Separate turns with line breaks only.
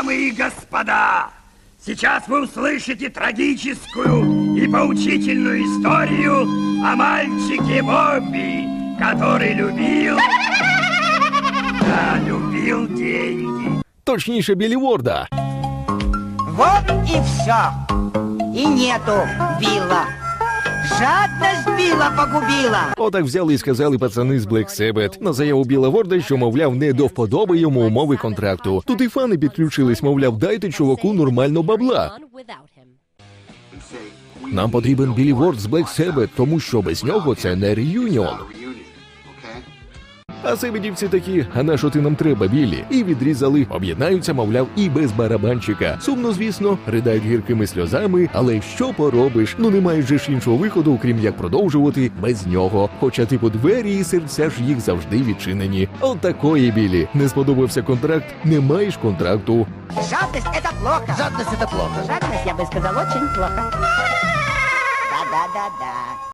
Дамы и господа, сейчас вы услышите трагическую и поучительную историю о мальчике Бобби, который любил деньги.
Точніше, Біллі Ворда.
Вот и все. И нету Билла. Жадность Билла погубила.
Отак взяли і сказали пацани з Black Sabbath на заяву Біла Ворда, що, мовляв, не до вподоби йому умови контракту. Тут і фани підключились, мовляв, дайте чуваку нормально бабла. Нам потрібен Біллі Ворд з Black Sabbath, тому що без нього це не реюніон. А себедівці такі, а на що ти нам треба, Біллі? І відрізали, об'єднаються, мовляв, і без барабанщика. Сумно, звісно, ридають гіркими сльозами, але що поробиш? Ну немає же ж іншого виходу, крім як продовжувати без нього. Хоча типу двері і серця ж їх завжди відчинені. От такої, Біллі. Не сподобався контракт, не маєш контракту.
Жадность это плохо.
Жадность — это плохо.
Жадность, я бы сказал, очень плохо. Да-да-да-да.